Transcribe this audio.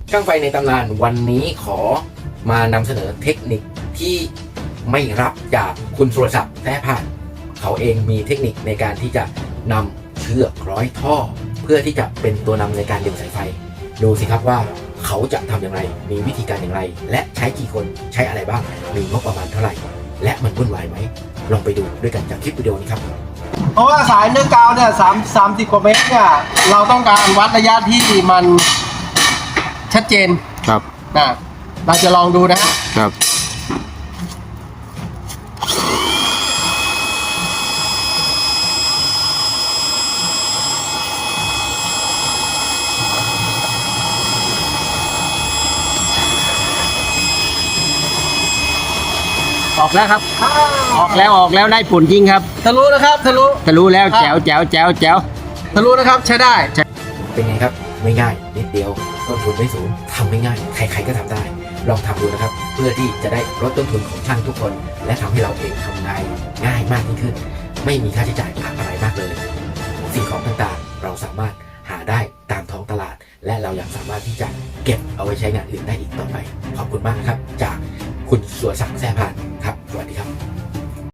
ช่างไฟในตำนานวันนี้ขอมานำเสนอเทคนิคที่ไม่รับจากคุณสุรศักดิ์แท้ผ่านเขาเองมีเทคนิคในการที่จะนำเชือกร้อยท่อ เพื่อที่จะเป็นตัวนำในการดึงสายไฟดูสิครับว่าเขาจะทำอย่างไรมีวิธีการอย่างไรและใช้กี่คนใช้อะไรบ้างมีงบประมาณเท่าไหร่และมันวุ่นวายไหมลองไปดูด้วยกันจากคลิปวิดีโอนี้ครับเพราะว่าสายเนื้อกาวเนี่ย30 กว่าเมตรเนี่ยเราต้องการวัดระยะที่มันชัดเจนครับเราจะลองดูนะครับออกแล้วครับออกแล้วได้ผลจริงครับทะลุนะครับทะลุแล้วแจ๋วทะลุนะครับใช้ได้เป็นไงครับไม่ง่ายนิดเดียวต้นทุนไม่สูงทำไม่ง่ายใครๆก็ทำได้ลองทำดูนะครับเพื่อที่จะได้ลดต้นทุนของช่างทุกคนและทำให้เราเองทำงานง่ายมากยิ่งขึ้นไม่มีค่าใช้จ่ายอะไรมากเลยสิ่งของต่างๆเราสามารถหาได้ตามท้องตลาดและเรายังสามารถที่จะเก็บเอาไว้ใช้งานอื่นได้อีกต่อไปขอบคุณมากครับจากคุณสุรศักดิ์แซ่ผ่านครับสวัสดีครับ